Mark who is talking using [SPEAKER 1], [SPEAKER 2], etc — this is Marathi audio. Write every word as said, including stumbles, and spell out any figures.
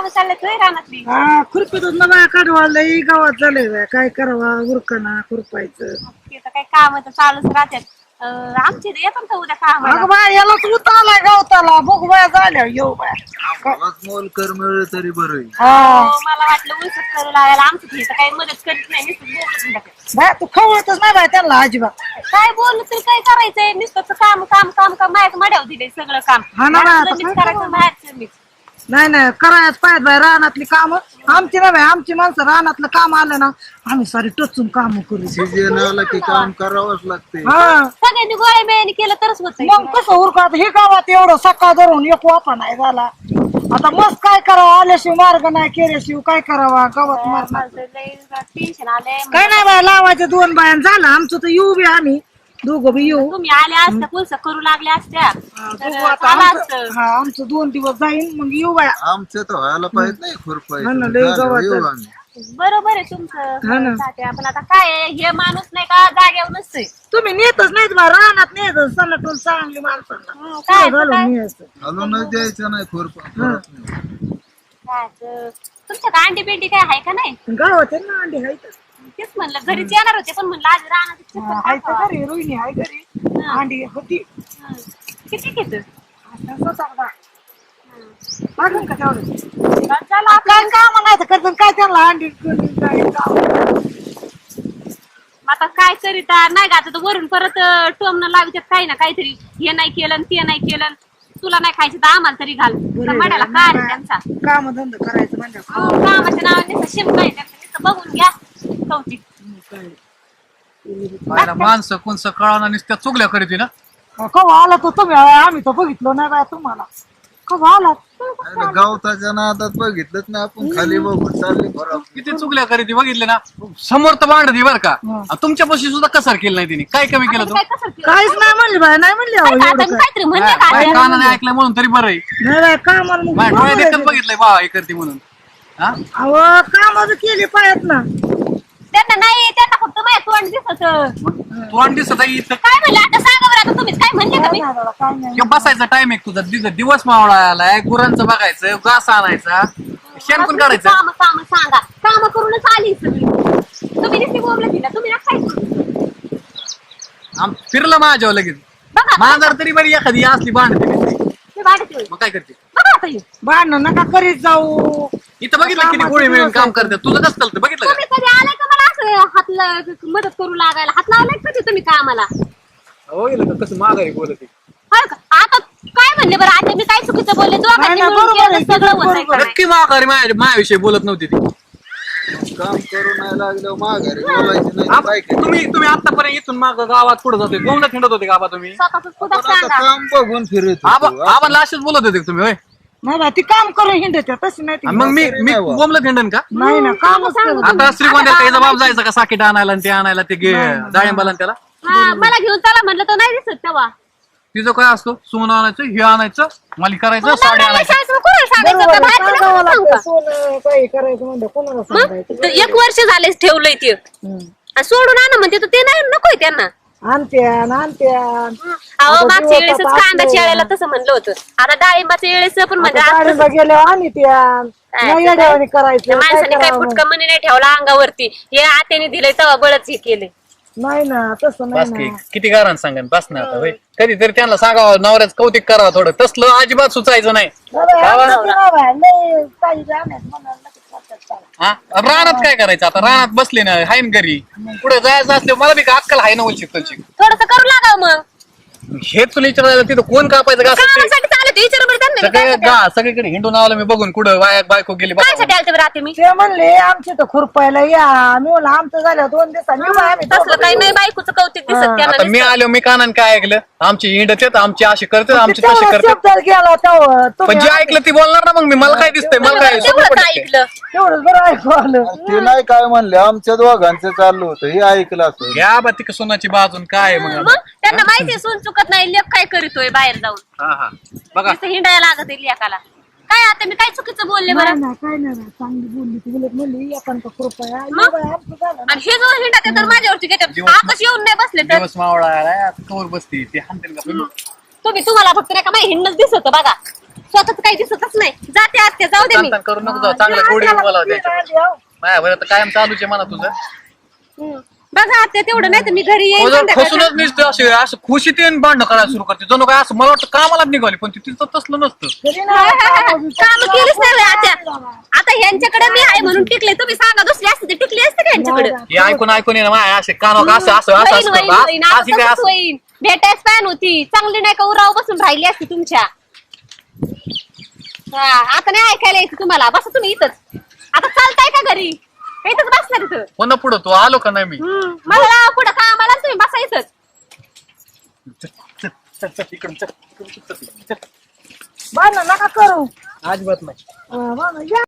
[SPEAKER 1] काम चाललेत होय रानातली?
[SPEAKER 2] हा खुरपीतच ना बाया काढवायला गावात झालंय काय करावा उरकना खुरपायचं.
[SPEAKER 1] ते तर काही काम तर चालूच राहतात. अं, आमचे इथे येतात का उद्या कामाला?
[SPEAKER 2] अगं बाय यालाच उतारलाय गवताला बघ बाया झाल्या येऊ बाया
[SPEAKER 3] मोल कर मिळलं तरी बरं.
[SPEAKER 2] हा
[SPEAKER 1] हो, मला वाटलं उलसत करू लागायला. आमचं इथं काही मदत करीत नाही, नुसतं बोलत राहतात.
[SPEAKER 2] बाय तू खवळतच नाही बाय त्यांना अजिबात.
[SPEAKER 1] काय बोललं तरी काय करायचंय? नुसतं काम काम काम काम माझ्या मड्यावर दिलंय सगळं काम.
[SPEAKER 2] हा ना बाय, आता
[SPEAKER 1] मीच
[SPEAKER 2] काय
[SPEAKER 1] करायचं, बाहेरचं मीच.
[SPEAKER 2] नाही नाही करायच पाहिजे बाय रानातली काम आमची ना बाय आमची माणसं रानातलं काम आलं ना आम्ही सारी टचून काम करू.
[SPEAKER 3] सीजन आला की काम करावंच लागते.
[SPEAKER 2] हा
[SPEAKER 1] सगळ्यांनी गोळ्या बिळ्यानी केलं तरच होत.
[SPEAKER 2] मग कसं उरकत हे गावात एवढं सकाळ धरून एक वापा नाही झाला. आता मस्त काय करावं आल्याशिवाय मार्ग नाही केल्याशिवाय काय करावा गावात मारणार
[SPEAKER 1] टेन्शन आलंय.
[SPEAKER 2] काय नाही बाय लावायचं दोन बायान झालं आमचं तर येऊ बी आम्ही दोघं बी येऊ.
[SPEAKER 1] तुम्ही आल्या असत्या कुलस करू लागल्या असत्या तर
[SPEAKER 2] बघू आता
[SPEAKER 1] झालं
[SPEAKER 2] आमचं-
[SPEAKER 1] असतं.
[SPEAKER 2] हा आमचं दोन दिवस जाईन मग येऊ बाया.
[SPEAKER 3] आमचं तर व्हायला पाहिजे नाही
[SPEAKER 2] हा ना, लय
[SPEAKER 3] खुरपायचं
[SPEAKER 2] गावात
[SPEAKER 3] येऊ
[SPEAKER 2] झालं.
[SPEAKER 3] आम्ही.
[SPEAKER 1] बरोबर आहे
[SPEAKER 2] हा
[SPEAKER 1] तुमचं
[SPEAKER 2] ना.
[SPEAKER 1] तात्या. पण आता काय आहे, हे माणूस नाही का जाग्यावर नसतोय.
[SPEAKER 2] तुम्ही नेतच नाहीत बा रानात नेत सणाटून चांगली माणसांना
[SPEAKER 1] हं, काय
[SPEAKER 2] घालून
[SPEAKER 1] काय
[SPEAKER 2] न्यायचं.
[SPEAKER 3] घालूनच द्यायचं नाही खुरपा करत नाही.
[SPEAKER 1] काय तर. तुमच्यात अंडी बिंडी काय आहे का नाही?
[SPEAKER 2] गावात आहे ना अंडी हायत.
[SPEAKER 1] तेच म्हणलं घरीच येणार होते पण म्हणलं आज राहणार
[SPEAKER 2] हा, हाय तर घरी रोहिणी हाय घरी अंडी होती.
[SPEAKER 1] किती घेत?
[SPEAKER 2] आता स्वतः बा. मागून का तेवढं?
[SPEAKER 1] चला
[SPEAKER 2] काय काम नाही तर करतात काय त्यांना अंडी कोणी काय काम.
[SPEAKER 1] आता काय करीता नाही का आता तर वरून परत टोमनं लावितात काही ना काहीतरी. हे नाही केलं आणि ते नाही केलं. तुला नाही खायचं तर आम्हाला तरी घाल.
[SPEAKER 2] बरं आहे,
[SPEAKER 1] मड्याला
[SPEAKER 2] बरं आहे.
[SPEAKER 1] काय आहे त्यांचा?
[SPEAKER 2] काम धंदा करायचं म्हणजे
[SPEAKER 1] हो, कामाच्या नावाने शिम नाही त्यांचं. नुसतं बघून घ्या कौतिक.
[SPEAKER 4] पाहिला माणसं कोणसं कळाना नुसत्या चुगल्या करीत ना.
[SPEAKER 2] कवा आला तो तुम्ही आम्ही तर बघितलो नाही बाय तुम्हाला कवा आला
[SPEAKER 3] अरे गावताच्या नादात बघितलंच ना आपण खाली बघून चालली बरोबर.
[SPEAKER 4] किती चुगल्या करीत बघितले ना. समोर तर भांडती बरं का. तुमच्यापाशी सुद्धा कसर केलं नाही तिने. काय कमी केलं
[SPEAKER 1] आता
[SPEAKER 4] तू
[SPEAKER 1] काय कसं केलं?
[SPEAKER 2] काहीच नाही म्हणली बाय नाही म्हणली अहो,
[SPEAKER 1] आता
[SPEAKER 2] एवढं
[SPEAKER 1] मी
[SPEAKER 2] काय.
[SPEAKER 1] काहीतरी म्हणले का
[SPEAKER 4] काय
[SPEAKER 1] आता?
[SPEAKER 4] कानाने ऐकलं म्हणून तरी बरं आहे.
[SPEAKER 2] नाही बाय कामाला मग
[SPEAKER 4] माझ्या डोळ्यात देखत बघितलंय बा हे करते म्हणून. हा
[SPEAKER 2] अहो कामाचं केली पायात ना.
[SPEAKER 1] त्यांना नाही, त्यांना फक्त माझ्या तोंड दिसत.
[SPEAKER 4] तोंड दिसत आहे इथं.
[SPEAKER 1] काय म्हणलं आता सांगा बरं. आता तुम्हीच काय म्हणले का मी?
[SPEAKER 2] नाही दादा, काय नाही.
[SPEAKER 4] किंवा बसायचा टाइम आहे तुझा. दिवस दिवस मावळा आलाय. गुरांचं बघायचं घास आणायचा शेणकून काढायचं.
[SPEAKER 1] काम काम सांगा. काम करूनच आली सगळी. तुम्ही नुसती बोलले तिला. तुम्ही ना काय करू?
[SPEAKER 4] आम फिरलं माझ्यावर लगेच.
[SPEAKER 1] बघा
[SPEAKER 4] मांजर तरी बरी एखादी असली भांडते नुसती.
[SPEAKER 1] ते वाढते होय.
[SPEAKER 4] मग काय करते.
[SPEAKER 1] बघा आता हे.
[SPEAKER 2] भांडण नका करीत जाऊ.
[SPEAKER 4] इथं बघितलं किती गोळी मिळून काम करतात. तुझं कसं चालतं बघितलं का.
[SPEAKER 1] तुम्ही कधी आलाय का मला असं हात ला- मदत करू लागायला? हात लावलाय कधी तुम्ही कामाला?
[SPEAKER 4] हो गेलं का कसं माघारी बोलत आहे.
[SPEAKER 1] होय का? आता काय म्हणले बरं? आता मी काय चुकीचं बोलले? जो
[SPEAKER 2] नाही, नाही, बरोबर आहे,
[SPEAKER 1] सगळं होतंय
[SPEAKER 2] बरोबर
[SPEAKER 1] का नाही?
[SPEAKER 4] नक्की माघारी माझ्या माझ्याविषयी बोलत नव्हती ती.
[SPEAKER 3] काम करू नाही लागलं माघारी बोलायचं नाही तर
[SPEAKER 4] आप-
[SPEAKER 3] काय करायचं?
[SPEAKER 4] तुम्ही तुम्ही आतापर्यंत इथून माग गावात पुढे जातोय. गोंडा हिंडत होते का बा तुम्ही.
[SPEAKER 1] स्वतःच सुद्धा
[SPEAKER 3] आपण आता
[SPEAKER 1] सांगा.
[SPEAKER 3] काम बघून फिरत
[SPEAKER 4] आबा
[SPEAKER 3] होतो.
[SPEAKER 4] आबाला असेच बोलत होते का तुम्ही होय.
[SPEAKER 2] नाही बाय ती काम करून हिंडत तशी नाही ती.
[SPEAKER 4] आणि मग मी मी बोमलं हिंडन का.
[SPEAKER 2] नाही ना कामच
[SPEAKER 1] सांगू
[SPEAKER 2] करत.
[SPEAKER 4] आता श्रीगोंद्यात त्याचा बाप जायचा का साकीट आणायला आणि ते आणायला ते गे- डाळिंबाला आणि त्याला.
[SPEAKER 1] हा, मला घेऊन चला म्हणलं तर नाही दिसत तेव्हा.
[SPEAKER 4] तिचं काय असतो सोनं आणायचं हे आणायचं मला करायचं साडी
[SPEAKER 1] नवऱ्याला
[SPEAKER 4] आणायचं.
[SPEAKER 1] शाळेत कोणाला सांगायचं
[SPEAKER 2] बरोबर
[SPEAKER 1] होतं?
[SPEAKER 2] आहे,
[SPEAKER 1] बाहेरचं
[SPEAKER 2] सांगावं
[SPEAKER 1] नको सांगू
[SPEAKER 2] लागतं.
[SPEAKER 1] का?
[SPEAKER 2] सोनं काही करायचं म्हणजे कोणाला सांगायचं.
[SPEAKER 1] मग एक वर्ष झाले ठेवलंय ते
[SPEAKER 2] हम्म.
[SPEAKER 1] आणि सोडून आणा म्हणते तर ते नाही नकोय त्यांना.
[SPEAKER 2] आणत्यान आणत्यान
[SPEAKER 1] अहो
[SPEAKER 2] आता
[SPEAKER 1] मागच्या
[SPEAKER 2] दिवस
[SPEAKER 1] वेळेसच
[SPEAKER 2] आता
[SPEAKER 1] कांद्याच्या
[SPEAKER 2] असले.
[SPEAKER 1] वेळेला तसं म्हणलं होतं. आता डाळिंबाच्या वेळेस पण म्हणजे
[SPEAKER 2] आता
[SPEAKER 1] आज
[SPEAKER 2] गाडीला गेल्यावर आणि त्यान
[SPEAKER 1] काय
[SPEAKER 2] नाही येड्यावानी
[SPEAKER 1] त्या
[SPEAKER 2] करायचं काय
[SPEAKER 1] माणसाने काही
[SPEAKER 2] करावं मग?
[SPEAKER 1] फुटका मनी नाही ठेवला अंगावरती. हे आत्याने दिलंय तेव्हा बळच हे केले.
[SPEAKER 2] नाही ना तसं नाही
[SPEAKER 4] बस की
[SPEAKER 2] ना.
[SPEAKER 4] किती गारान सांगेन बस ना आता होय. कधीतरी त्यांना सांगावं नवऱ्याचं कौतिक करावं थोडं. तसलं अजिबात सुचायचं नाही.
[SPEAKER 2] नाही बाई, आमचं ते नाही बाई. लय काही जाण्यात म्हणाल लगेच करतात त्याला.
[SPEAKER 4] हा रानात काय करायचं आता. रानात बसले ना हाय ना घरी पुढे जायचं असले मला बी का अक्कल हाय ना उलची तलची.
[SPEAKER 1] थोडस करू लागाव मग.
[SPEAKER 4] हे तुला विचारायला तिथं कोण कापायचं का
[SPEAKER 1] कामासाठी चालत विचार बरं त्यांना.
[SPEAKER 4] सगळे गा सगळीकडे हिंडून आलं मी बघून कुठं वाया बायको गेली बघा.
[SPEAKER 1] कायसाठी आलते बरं आता मी?
[SPEAKER 2] ते म्हणले आमचे तर खुरपायला या मी म्हणलं आमचं झालं दोन दिवसांनी येऊ बाई आम्ही
[SPEAKER 1] तसलं
[SPEAKER 2] दोघं
[SPEAKER 1] काही
[SPEAKER 2] बी
[SPEAKER 1] नाही. बायकोचं कौतिक दिसत
[SPEAKER 4] आता
[SPEAKER 1] त्यांना
[SPEAKER 4] मी
[SPEAKER 1] नुसतं.
[SPEAKER 4] आलो मी कानान काय ऐकलं आमची हिंडत येत आमची अशी करते
[SPEAKER 2] येऊ.
[SPEAKER 4] आमची
[SPEAKER 2] ते
[SPEAKER 4] तशी
[SPEAKER 2] तेवढं
[SPEAKER 4] करते.
[SPEAKER 2] शब्दात गेला तेव्हा तुम्ही
[SPEAKER 4] पण जे ऐकलं ती बोलणार ना मग मी मला काय दिसतंय मला काय सगळं
[SPEAKER 1] तेवढंच
[SPEAKER 4] पटतंय.
[SPEAKER 1] ऐकलं.
[SPEAKER 2] तेवढंच बरं ऐकू आलं.
[SPEAKER 3] ते नाही काय म्हणले आमच्या दोघांचं चाललं होतं हे ऐकलं असं.
[SPEAKER 4] घ्या बा ती सोनाची बाजून काय आहे मग
[SPEAKER 1] मग त्यांना माहितीये सून चुकत नाही. लेख काय करीतोय बाहेर जाऊन.
[SPEAKER 4] हा हा बघा
[SPEAKER 1] नुसतं हिंडायला लागत आहे लेकाला. काय आता मी काय चुकीचं बोलले
[SPEAKER 2] नाही
[SPEAKER 1] बरं?
[SPEAKER 2] ना काय नाही ना चांगली बोलली ती बोलत म्हणली एकांत कृपया येऊ
[SPEAKER 1] मग?
[SPEAKER 2] बाई, आमचं झालं ना.
[SPEAKER 1] आणि हे जो हिंडा तर माझ्यावरती घेतात.
[SPEAKER 4] दिवस-
[SPEAKER 1] आकाश येऊन नाही बसले तर
[SPEAKER 4] दिवस मावळा आलाय आता कवर बसती ते हाणतील का
[SPEAKER 1] तुम्ही तुम्हाला फक्त नाही का माझी हिंडच दिसत बघा. स्वतःच काही दिसतच नाही. जाते आत्या, जाऊ दे मी.
[SPEAKER 4] ताण करू नको जाऊ, चांगलं गोडी मला द्यायचं माझ्या बरं कायम चालूच आहे म्हणा तुझं.
[SPEAKER 1] हम्म. बघा आत्या तेवढं नाही तर मी घरी येईन
[SPEAKER 4] तुझं
[SPEAKER 1] संध्याकाळी.
[SPEAKER 4] खसूनच निसते असे असं खुशी ते भांडणं करायला सुरू करते जणू काय असं मला वाटतं कामाला निघाली पण ती तिचं तसलं नसतं.
[SPEAKER 1] काम केलीच नाही होय आत्या. आता ह्यांच्याकडे मी आहे म्हणून टिकले. तुम्ही सांगा दुसरी असते तर टिकली असते का ह्यांच्याकडे?
[SPEAKER 4] हे ऐकून ऐकून ये ना माझ्या असे कान असं असं असं
[SPEAKER 1] होईन,
[SPEAKER 4] असं
[SPEAKER 1] होईन,
[SPEAKER 4] करतो.
[SPEAKER 1] होईन.
[SPEAKER 4] आज-
[SPEAKER 1] आता
[SPEAKER 4] आज हे काय
[SPEAKER 1] तसंच
[SPEAKER 4] असं
[SPEAKER 1] होईन. भेटायच पॅन होती चांगली नाही का उराव बसून राहिली असती तुमच्या. हा आता नाही ऐकायला यायचं तुम्हाला. बसा तुम्ही इथंच. आता चालताय का घरी? का इथंच बसणार इथं?
[SPEAKER 4] पुन्हा पुढं तू आलो का नाही मी
[SPEAKER 1] हम्म. मला पुढं का आम्हाला तुम्ही बसा इथंच.
[SPEAKER 4] चल, चल, चल, चल, इकडून चल, इकडून चल, चल.
[SPEAKER 2] बांधणं नका करू
[SPEAKER 4] अजिबात नाही
[SPEAKER 2] अं, बांधणं या